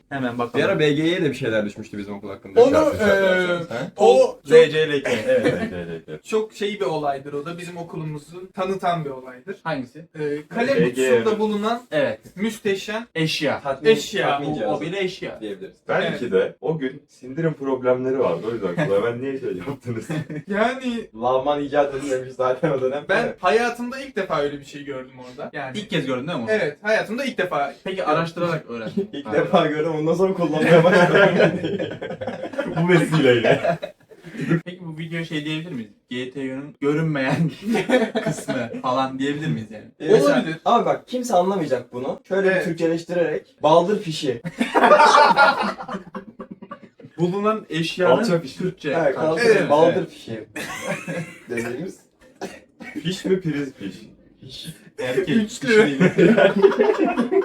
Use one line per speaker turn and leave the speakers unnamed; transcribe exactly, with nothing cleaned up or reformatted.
Hemen
Bir
bakalım.
ara B G'ye de bir şeyler düşmüştü bizim okul hakkında.
Onu
Şarkı, şarkı,
eee,
şarkı. Ha?
o
Z
çok,
C L K. Evet, Z C L K.
çok şey bir olaydır o da bizim okulumuzu tanıtan bir olaydır.
Hangisi?
Ee, kalem
B G
kutusunda bulunan
Evet.
müsteşem
Eşya.
Tatmin,
Eşya,
tatmin
O,
cihazı
o bir eşya.
diyebiliriz.
Belki de o gün sindirim problemleri vardı. O yüzden kulağa ben niye şey yaptınız?
yani
Lavman icat edilmemiş zaten o dönem.
ben hayatımda ilk defa öyle bir şey gördüm orada. Yani
İlk kez gördün değil mi onu?
evet, hayatımda ilk defa.
Peki araştırarak öğrendin.
İlk defa gördüm ondan sonra kullanmaya başladım.
Bu vesileyle.
Peki bu video şey diyebilir miyiz? G T O'nun görünmeyen kısmı falan diyebilir miyiz yani?
Olabilir.
Abi bak kimse anlamayacak bunu. Şöyle
Evet.
bir Türkçeleştirerek baldır fişi.
Bulunan eşyanın
Alçak iş.
Türkçe
Evet,
karşılığı.
kaldı
Evet.
baldır fişi. Dediğimiz.
Fiş mi priz fiş?
Erkek.
Üçlü.
Kişi değil.